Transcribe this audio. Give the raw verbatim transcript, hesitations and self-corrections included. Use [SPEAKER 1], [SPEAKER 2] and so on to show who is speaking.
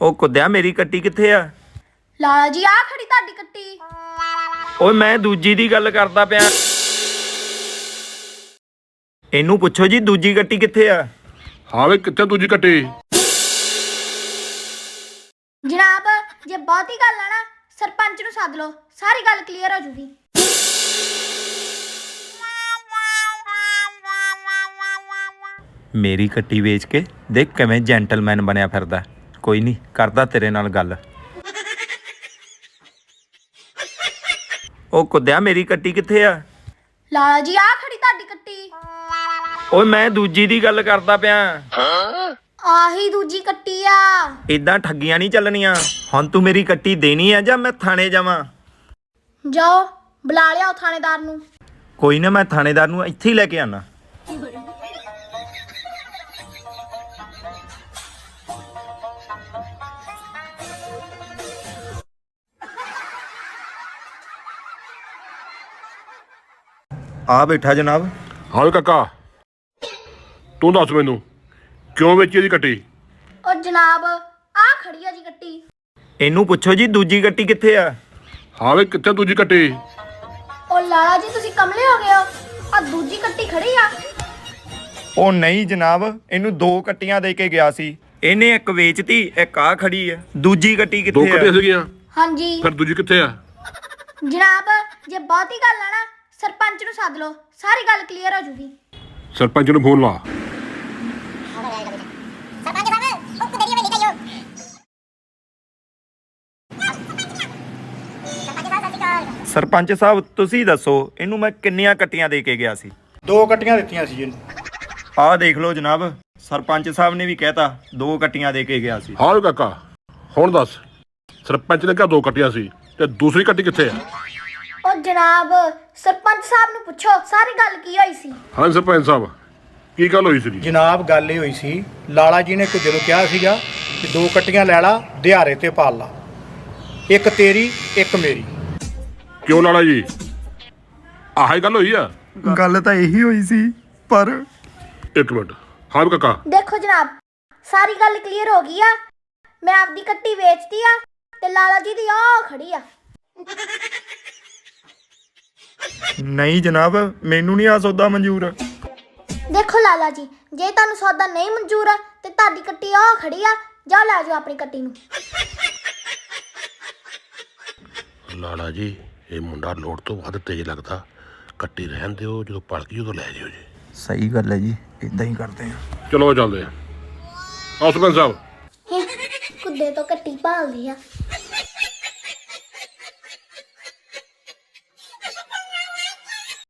[SPEAKER 1] ਉਹ ਕੁੱਦਿਆ ਮੇਰੀ ਕੱਟੀ ਕਿੱਥੇ ਆ?
[SPEAKER 2] ਲਾਲਾ ਜੀ ਆ ਖੜੀ ਤੁਹਾਡੀ ਕੱਟੀ।
[SPEAKER 1] ਓਏ ਮੈਂ ਦੂਜੀ ਦੀ ਗੱਲ ਕਰਦਾ ਪਿਆ। ਇਹਨੂੰ ਪੁੱਛੋ ਜੀ ਦੂਜੀ ਕੱਟੀ ਕਿੱਥੇ ਆ?
[SPEAKER 3] ਹਾਂ ਵੇ ਕਿੱਥੇ ਦੂਜੀ ਕੱਟੀ?
[SPEAKER 2] ਜਨਾਬ ਜੇ ਬਹੁਤੀ ਗੱਲ ਆ ਨਾ ਸਰਪੰਚ ਨੂੰ ਸੱਦ ਲਓ, ਸਾਰੀ ਗੱਲ ਕਲੀਅਰ ਹੋ ਜੂਗੀ।
[SPEAKER 1] ਮੇਰੀ ਕੱਟੀ ਵੇਚ ਕੇ ਦੇਖ ਕਿਵੇਂ ਜੈਂਟਲਮੈਨ ਬਣਿਆ ਫਿਰਦਾ। ਕੋਈ ਨਹੀਂ ਕਰਦਾ ਤੇਰੇ ਨਾਲ ਗੱਲ। ਉਹ ਕੁੱਦਿਆ ਮੇਰੀ ਕੱਟੀ ਕਿੱਥੇ ਆ?
[SPEAKER 2] ਲਾਲਾ ਜੀ ਆ ਖੜੀ ਤੁਹਾਡੀ ਕੱਟੀ।
[SPEAKER 1] ਓਏ ਮੈਂ ਦੂਜੀ ਦੀ ਗੱਲ ਕਰਦਾ ਪਿਆ।
[SPEAKER 2] ਆਹੀ ਦੂਜੀ ਕੱਟੀ ਆ।
[SPEAKER 1] ਇਦਾਂ ਠੱਗੀਆਂ ਨਹੀਂ ਚੱਲਣੀਆਂ। ਹੁਣ ਤੂੰ ਮੇਰੀ ਕੱਟੀ ਦੇਣੀ ਆ ਜਾਂ ਮੈਂ ਥਾਣੇ ਜਾਵਾਂ?
[SPEAKER 2] ਜਾਓ ਬੁਲਾ ਲਿਆਓ ਥਾਣੇਦਾਰ ਨੂੰ।
[SPEAKER 1] ਕੋਈ ਨਾ ਮੈਂ ਥਾਣੇਦਾਰ ਨੂੰ ਇੱਥੇ ਹੀ ਲੈ ਕੇ ਆਣਾ। ਆ ਬੈਠਾ ਜਨਾਬ।
[SPEAKER 3] ਹਾਂ ਵੇ ਕਾਕਾ ਤੂੰ ਦੱਸ ਮੈਨੂੰ ਕਿਉਂ ਵੇਚੀ ਇਹਦੀ ਕੱਟੀ?
[SPEAKER 2] ਉਹ ਜਨਾਬ ਆ ਖੜੀ ਆ ਜੀ ਕੱਟੀ।
[SPEAKER 1] ਇਹਨੂੰ ਪੁੱਛੋ ਜੀ ਦੂਜੀ ਕੱਟੀ ਕਿੱਥੇ ਆ?
[SPEAKER 3] ਹਾਂ ਵੇ ਕਿੱਥੇ ਦੂਜੀ ਕੱਟੀ?
[SPEAKER 2] ਉਹ ਲਾਲਾ ਜੀ ਤੁਸੀਂ ਕਮਲੇ ਹੋ ਗਏ ਹੋ, ਆ ਦੂਜੀ ਕੱਟੀ ਖੜੀ ਆ।
[SPEAKER 1] ਉਹ ਨਹੀਂ ਜਨਾਬ, ਇਹਨੂੰ ਦੋ ਕੱਟੀਆਂ ਦੇ ਕੇ ਗਿਆ ਸੀ। ਇਹਨੇ ਇੱਕ ਵੇਚਤੀ, ਇੱਕ ਆ ਖੜੀ ਆ। ਦੂਜੀ ਕੱਟੀ
[SPEAKER 3] ਦੋ
[SPEAKER 1] ਕਿੱਥੇ
[SPEAKER 3] ਕੱਟੀਆਂ
[SPEAKER 1] ਆ?
[SPEAKER 3] ਸੀਗੀਆਂ
[SPEAKER 2] ਹਾਂਜੀ
[SPEAKER 3] ਫਿਰ ਦੂਜੀ ਕਿੱਥੇ ਆ?
[SPEAKER 2] ਜਨਾਬ ਜੇ ਬਹੁਤੀ ਗੱਲ ਆ ਨਾ ਸਰਪੰਚ ਨੂੰ ਸੱਦ ਲਓ, ਸਾਰੀ ਗੱਲ ਕਲੀਅਰ ਹੋ ਜੂਗੀ।
[SPEAKER 3] ਸਰਪੰਚ ਨੂੰ ਫੋਨ ਲਾ।
[SPEAKER 1] ਸਰਪੰਚ ਸਾਹਿਬ ਤੁਸੀਂ ਦੱਸੋ ਇਹਨੂੰ ਮੈਂ ਕਿੰਨੀਆਂ ਕੱਟੀਆਂ ਦੇ ਕੇ ਗਿਆ ਸੀ?
[SPEAKER 4] ਦੋ ਕੱਟੀਆਂ ਦਿੱਤੀਆਂ ਸੀ ਜੀ।
[SPEAKER 1] ਆਹ ਦੇਖ ਲਓ ਜਨਾਬ, ਸਰਪੰਚ ਸਾਹਿਬ ਨੇ ਵੀ ਕਹਿਤਾ ਦੋ ਕੱਟੀਆਂ ਦੇ ਕੇ ਗਿਆ ਸੀ।
[SPEAKER 3] ਹਾਂ ਵੇ ਕਾਕਾ ਹੁਣ ਦੱਸ ਸਰਪੰਚ ਨੇ ਕਿਹਾ ਦੋ ਕੱਟੀਆਂ ਸੀ ਤੇ ਦੂਸਰੀ ਕੱਟੀ ਕਿੱਥੇ ਆ?
[SPEAKER 2] ਉਹ ਜਨਾਬ ਸਰਪੰਚ ਸਾਹਿਬ ਨੂੰ ਪੁੱਛੋ ਸਾਰੀ ਗੱਲ ਕੀ ਹੋਈ ਸੀ।
[SPEAKER 3] ਹਾਂ ਸਰਪੰਚ ਸਾਹਿਬ ਕੀ ਗੱਲ ਹੋਈ ਸੀ?
[SPEAKER 4] ਜਨਾਬ ਗੱਲ ਇਹ ਹੋਈ ਸੀ, ਲਾਲਾ ਜੀ ਨੇ ਕਿ ਜਦੋਂ ਕਿਹਾ ਸੀਗਾ ਕਿ ਦੋ ਕੱਟੀਆਂ ਲੈ ਲਾ ਦਿਹਾੜੇ ਤੇ ਪਾਲ ਲਾ, ਇੱਕ ਤੇਰੀ ਇੱਕ ਮੇਰੀ।
[SPEAKER 3] ਕਿਉਂ ਲਾਲਾ ਜੀ ਆਹੀ ਗੱਲ ਹੋਈ ਆ?
[SPEAKER 1] ਗੱਲ ਤਾਂ ਇਹੀ ਹੋਈ ਸੀ ਪਰ
[SPEAKER 3] ਇੱਕ ਮਿੰਟ। ਹਾਂ ਵੇ ਕਾਕਾ
[SPEAKER 2] ਦੇਖੋ ਜਨਾਬ ਸਾਰੀ ਗੱਲ ਕਲੀਅਰ ਹੋ ਗਈ ਆ। ਮੈਂ ਆਪਦੀ ਕੱਟੀ ਵੇਚਤੀ ਆ ਤੇ ਲਾਲਾ ਜੀ ਦੀ ਆ ਖੜੀ ਆ।
[SPEAKER 1] ਨਹੀਂ ਜਨਾਬ, ਮੈਨੂੰ ਨਹੀਂ ਆ ਸੌਦਾ ਮਨਜ਼ੂਰ।
[SPEAKER 2] ਦੇਖੋ ਲਾਲਾ ਜੀ ਜੇ ਤੁਹਾਨੂੰ ਸੌਦਾ ਨਹੀਂ ਮਨਜ਼ੂਰ ਆ ਤੇ ਤੁਹਾਡੀ ਕੱਟੀ ਆ ਖੜੀ ਆ, ਜਾਓ ਲੈ ਜਾਓ ਆਪਣੀ ਕੱਟੀ ਨੂੰ।
[SPEAKER 3] ਲਾਲਾ ਜੀ ਇਹ ਮੁੰਡਾ ਲੋੜ ਤੋਂ ਵੱਧ ਤੇਜ਼ ਲੱਗਦਾ, ਕੱਟੀ ਰਹਿਣ ਦਿਓ, ਜਦੋਂ ਪਲ ਗਈ ਉਦੋਂ ਲੈ ਜਿਓ ਜੀ।
[SPEAKER 1] ਸਹੀ ਗੱਲ ਹੈ ਜੀ, ਇਦਾਂ ਹੀ ਕਰਦੇ ਆ।
[SPEAKER 3] ਚਲੋ ਚੱਲਦੇ ਆ। ਆਓ ਸਰਪੰਚ ਸਾਹਿਬ
[SPEAKER 2] ਕੁੱਦੇ ਤੋਂ ਕੱਟੀ ਭਾਲਦੀ ਆ।